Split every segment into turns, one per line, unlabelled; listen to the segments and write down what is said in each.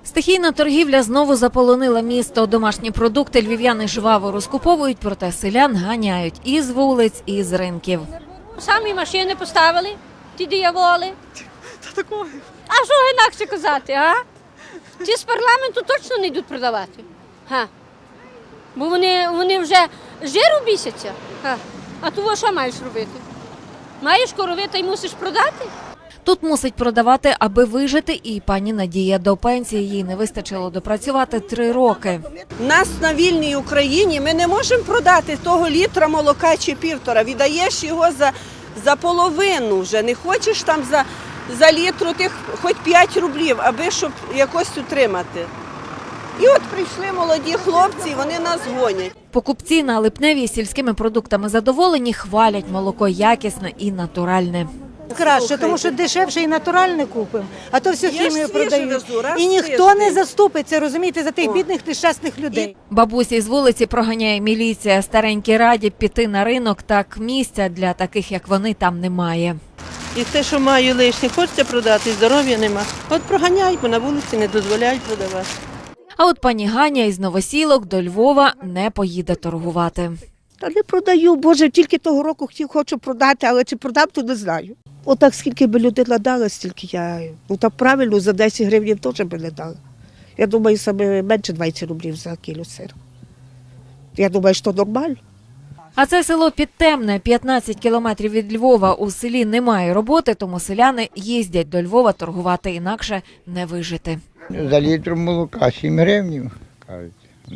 Стихійна торгівля знову заполонила місто. Домашні продукти львів'яни жваво розкуповують, проте селян ганяють і з вулиць, і з ринків.
Самі машини поставили, ті дияволи. А що інакше казати, а? Ті з парламенту точно не йдуть продавати. Га. Бо вони вже жиру бісяться. Га. А того що маєш робити? Маєш корови та й мусиш продати?
Тут мусить продавати, аби вижити, і пані Надія. До пенсії їй не вистачило допрацювати 3 роки.
Нас на вільній Україні ми не можемо продати того літра молока чи півтора. Віддаєш його за половину вже. Не хочеш там за літру тих хоч 5 рублів, аби щоб якось утримати. І от прийшли молоді хлопці, і вони нас гонять.
Покупці на Липневій сільськими продуктами задоволені, хвалять молоко якісне і натуральне.
Краще, тому що дешевше і натуральне купимо, а то все хімію
свіже
продають.
везу, раз
І ніхто
тиждень.
не заступиться, розумієте, за тих бідних нещасних людей.
Бабусі з вулиці проганяє міліція. Старенькі раді піти на ринок, так місця для таких, як вони, там немає.
І те, що маю лишнє, хочеться продати, здоров'я нема. От проганяй, бо на вулиці не дозволяють продавати.
А от пані Ганя із Новосілок до Львова не поїде торгувати.
Та не продаю, Боже, тільки того року хочу продати, але чи продам, то не знаю. Отак скільки би людина дала, стільки я, так правильно, за 10 гривень теж би не дала. Я думаю, саме менше 20 рублів за кіло сиру. Я думаю, що нормально.
А це село Підтемне, 15 кілометрів від Львова. У селі немає роботи, тому селяни їздять до Львова торгувати, інакше не вижити.
За літр молока 7 гривень, кажуть.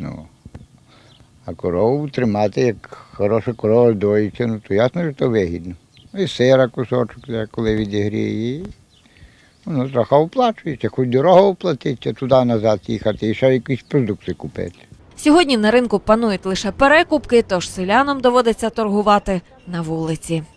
А корову тримати, як хороша корова доїться, то ясно, що то вигідно. І сира кусочок, коли відігріє, і воно трохи оплачується, хоч дорого оплатиться, туди-назад їхати і ще якісь продукти купити.
Сьогодні на ринку панують лише перекупки, тож селянам доводиться торгувати на вулиці.